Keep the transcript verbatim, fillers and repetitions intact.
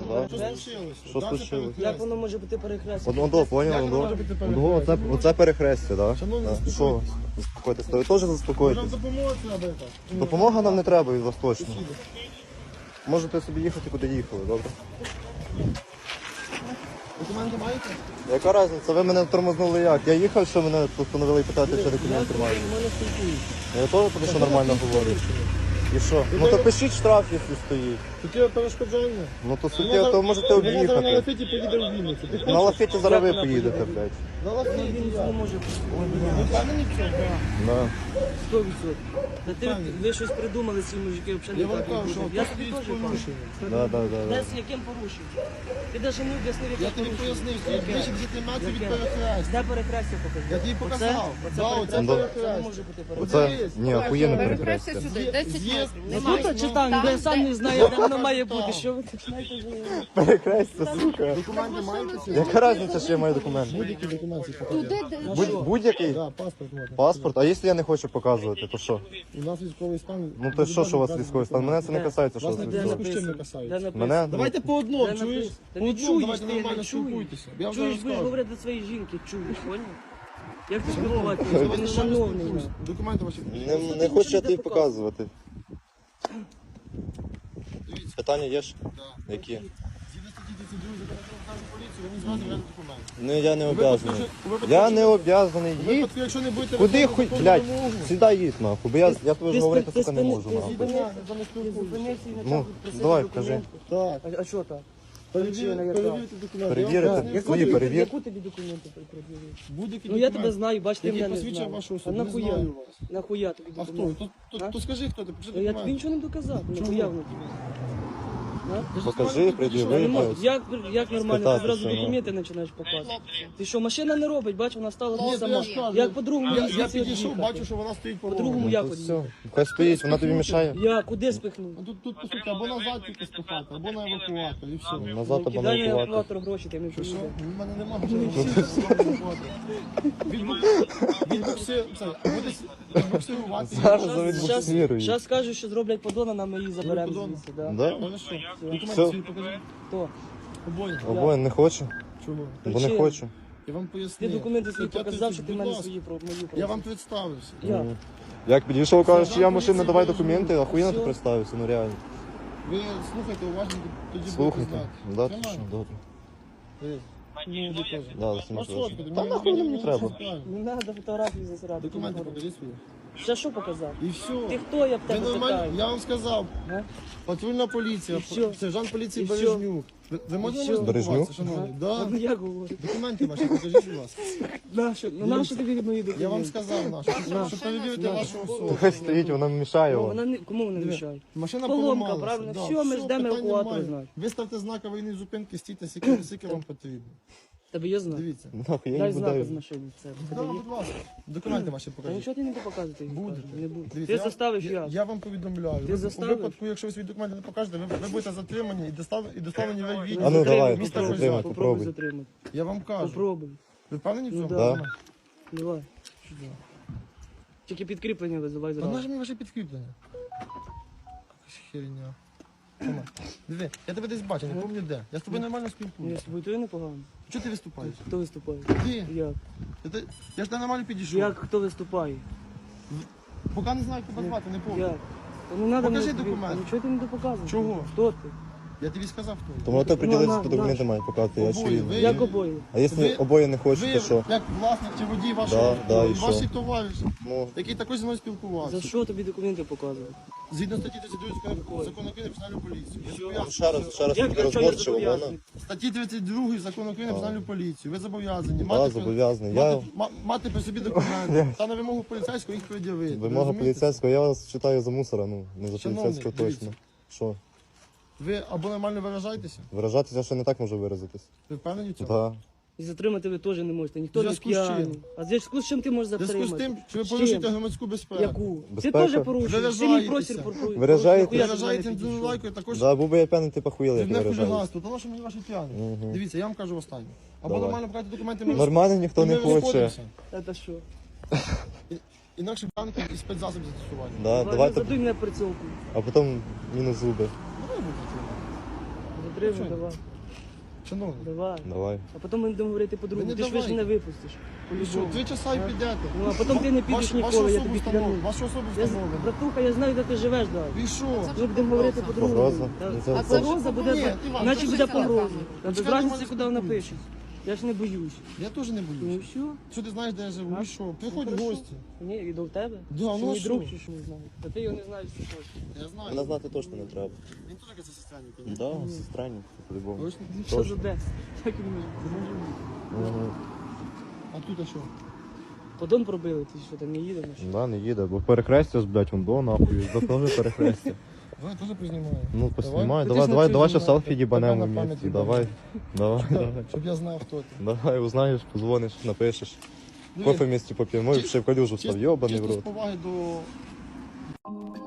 Да? Що случилося? Що Дальше случилось? перехрестя. Як воно може бути перехрестя? Одно до, поняв, Як одно. може бути Одно, перехрестя? оце, оце перехрестя, так? Шановні, Да? Що? заспокойтесь. Заспокойтесь. Та ви теж Може, вам заспокойтесь. допомогти треба так? Допомога нам не треба від вас точно. Можете собі їхати, куди їхали, добре? Документи маєте? Яка різниця? Ви мене тормознули як? Я їхав, що мене постановили питати, що документи маю. Мене спілкуються. Я теж про що нормально говорю. І що? Ну то пишіть штраф, якщо стоїть. Таке перешкоджання. Ну то суттєво, то можете Вона зараз на об'їхати. лафеті поїде в Вінницю. Ти На хочеш? лафеті зараз ви поїдете, блядь. На лафеті, Він я. не може Ви впевнені в цьому? Да. сто відсотків. Та ти, ви щось придумали, ці мужики, взагалі Я не вам так кажу, не що буде. Я тут тобі є теж порушення. кажу. Да, да, да, Де да. з яким порушенням? Ти навіть не об'яснив, яке Я тобі порушення. пояснив, що Яке? ближче десяти метрів від Яке? перехрестя. Де перехрестя покажи? Я тобі показав. Оце, Да, оце оце Ну, перехрестя. Це не перехрестя. може бути Оце, перехрестя. ні, охуєнне Перехрестя перехрестя. сюди, десять З'їзд. метрів. Ну Немає. тут чи там, я сам не знаю, де воно має бути. Що ви тут знаєте? Перехрестя, сука. Документи маєте? Яка різниця, що я маю документи? Будь-які документи покажіть. Туди, де Будь- Будь-який? Да, паспорт можна. Паспорт? А якщо я не хочу показувати, то що? У нас військовий стан. Ну то що, що у вас військовий стан? Мене це не касається, що у Вас вас не військовий. зв'язку з чим не касається. Де написано? Мене? Давайте по одному, Де чуєш? написано? Та По не одному, чуєш давайте ти, не нормально чуєш. спілкуйтеся. Я вже Чуєш, будеш розказую. говорити до своєї жінки, чуєш, поняв? Як ти спілкуватися? Ти не шановний. на. Документи ваші. Не, не хочу я тобі показувати. Дивіться. Питання є ж? Да. Які? Згідно статті тридцять два закону про поліцію, ви не зразу везете документи. Ну я не У випадку, обов'язаний. що- у випадку, Я якщо- не обов'язаний. У Їдь. випадку, якщо не будете Куди виконувати хуй, законну блядь, вимогу, сідай їдь нахуй, бо я, я тобі Ти ж говорити, спи- сука, ти не спини- можу ти нахуй. спини- за не Ти спілкуєтеся. зупинився і Ну, почав просити давай, документи. Так. А, а що так? Перевір- Причина яка? Перевірте документи. Перевірити? Я вам поясню. Яку Свої тобі- перевір. Яку тобі документи пред'явили? Будь-які Ну я документи, тебе знаю, бач, ти які мене не посвідчує знаєш. вашу А особу. Не нахуя? знаю вас. Нахуя тобі А хто? документи? То, то, А? то скажи, хто ти, покажи Ну, я тобі документи. нічого не доказав, ну Чому? хуя воно тобі? А? Покажи, пред'яви. Не можу. блядь. Як, як нормально, ти Спитати, зразу що, ну. документи починаєш показувати? Ти що, машина не робить, бач, вона стала Ні, тут то я сама. ж кажу. Як по-другому Я, їй я звідси підійшов, від'їхати? бачу, що вона стоїть по По-другому дорогу. як Тут одійти? все. Хай стоїть, вона тобі мішає. Я куди спихнув? А Тут, тут, по суті, або назад тільки спихати, або на евакуатор, і все. Назад або на Кидай на евакуатор. евакуатор гроші, ти не Що, що? поїде. У мене нема грошей. Відбуксир, це, буде відбуксирувати. Зараз Щас- завідбуксирую. Зараз скажуть, що зроблять подона, нам ми її заберемо подон. звідси. Да. Да? Хорошо. Все. Документи свої покажи. Хто? Обоє. Обоє не хочу, Чому? бо не Причина. хочу. Я вам Ти пояснив. документи свої Стаття показав, що тридцять, ти в будь мене ласка. свої про мої Я вам просив. представився. Я. Ну, Як підійшов, кажеш, що я Сержант машина, поліції давай Бережнюк. документи, охуєнно ти Все. представився, ну реально. Ви слухайте уважно, тоді Слухайте. будете знати. Да, ти Тримай. що, добре. Дивись. Ну, тобі теж. Да, за Паспорт, сім'ю тобі Та мені- нахуй мені- мені треба. мені правильно. Не треба фотографії засирати. Документи покажи свої. Ще що показав? І все. Ти хто, я б Ви тебе нормально, питаю? я вам сказав. А? Патрульна поліція, І що? сержант поліції І що? Бережнюк. Ви, ви можете що? мене Бережнюк? спілкуватися, шановний? А, Да. ну я говорю. Документи ваші, покажіть, будь ласка. Нащо? Ну нащо тобі мої документи? Я вам сказав, нашу, На. що перевірити вашу особу. Хай стоїть, вона мішає Ну, вам. вона не, кому вона Диви, мішає? Машина Поломка, поламалася. правильно? Да, Все, ми ждемо питань евакуатора, немає. знаєш. Виставте знак аварійної зупинки, стійте, скільки, скільки вам потрібно. Тебе є знак? Дивіться. Нахуй, я Дай не знак з буду. машини. Це. Да, Тебе є? будь ласка. Документи ваші Та покажіть. нічого ти не буду показувати. їх Будете. покажу, Не буду. Дивіться, Ти я- заставиш я, я. я вам повідомляю. Ти Ви- заставиш? У випадку, якщо ви свої документи не покажете, ви, ви будете затримані і доставлені, і доставлені в відділ. А ну, давай, міста затримай, Козяк. попробуй. Попробуй затримати. Я вам кажу. Попробуй. Ви впевнені в Ну, цьому? да. Да. Давай. Тільки підкріплення визивай Та зразу. нажми ваше підкріплення. Якась херня. Тома, диви, я тебе десь бачу, не пам'ятаю де. Я з тобою нормально Ні, спілкуюся. з тобою то непогано. Чого ти виступаєш? Хто виступає? Ти? Як? Я, те- я ж тебе нормально підійшов. Як хто виступає? Поки не знаю, як тебе звати, не пам'ятаю. Як? Та не надо Покажи мені тобі- документ. Нічого ти не допоказуєш. Чого? Хто ти? Я тобі сказав, хто. То можете приділитися, на, то на. документи мають показати, я Обоє, чую. ви- Як обоє? А якщо Ви- обоє не Ви, хочете, що? як власник чи водій вашого Да, авто, да, і і що? ваші товариші, Ну, який також зі мною За спілкувався. що тобі документи показувати? Згідно статті тридцять два закону закону України про національну поліцію. Я зобов'язаний- ще раз, ще раз Як таки я чого я розборчиво, вона. зобов'язаний? Статті тридцять два закону України про національну поліцію. Ви зобов'язані Да, мати, при- зобов'язаний. Я- мати, ма- мати при собі документи та на вимогу поліцейського їх пред'явити. Вимога Розумієте? поліцейського, я вас читаю за мусора, ну, не за Шановний, поліцейського точно. дивіться. Що? Ви або нормально виражаєтеся, Виражатися ще не так можу виразитись. ви впевнені в цьому? Да. І затримати ви теж не можете. Ніхто В не зв'язку з чим? п'яний. А в зв'язку з чим ти можеш В зв'язку затримати? з тим, що ви З порушуєте чим? громадську безпеку. Яку? Ти Безпека? теж порушуєш. Ти мій Виражаєтеся. просір порушуєш. Виражаєтеся? Ви Нахуя ти виражаєте до мене підійшов? лайкою, також Да, був би я п'яний, ти похуїли, як не виражаюсь. хуліганство, тому що мені ваші п'яні. Мгм. Дивіться, я вам кажу останнє. Або Давай. нормально брати документи, ми Нормально ніхто і ми не хоче. розходимося. Це що? Інакше банки і спецзасоб застосування. Да, Давай, давайте, Задуй мене прицілку. а потім мінус зуби. Давай будете. Отримуй, Що? давай, Шановний. давай. Давай. А потім ми будемо говорити по-другому. Ви Ти не ж ви ж давайте. не випустиш. І що, По-любому. три часа і А? підете. Ну, а потім ти не підеш Ваш- ніколи, я Вашу тобі особу клянусь. встановлено. Вашу особу Я, з- встановлено. братуха, я знаю, де ти живеш, далі. І що? Ми будемо говорити по-другому. Погроза? Та- Ну, це- А це- погроза буде, Ні, Іван, значить це буде все погроза. правда. Та без Чекай, разниці, нормально куди вона спілкуємося. пише. Я ж не боюсь. Я теж не Ну боюсь. що? Що ти знаєш, де я живу? А? І що? Приходь в Хорошо. гості. Ні, і до тебе? Да, Чи ну а мій що? друг, чи що не знаю. Та ти його не знаєш, це точно. Я знаю. Мене знати точно не треба. Він теж якась сестрянка. Да, сестрані, по-любому. Точно? Що за де? Як він може? Це може бути. Мгм. А тут а що? Подон пробили, ти що там не їдемо? Да, не їде, бо перехрестя, блядь, вон до нахуй, до того перехрестя. Давай теж познімаю. Ну, поснімай, Ти давай, ж давай, на давай цю ще селфі знімай. їбанемо Тебе на вместе. пам'ять Давай, давай, давай. Щоб я знав, хто ти. Давай, узнаєш, позвониш, напишеш. Диви, Кофе вместе поп'ємо, ми ще в калюжу став, чисто- йобаний в чисто з рот. поваги до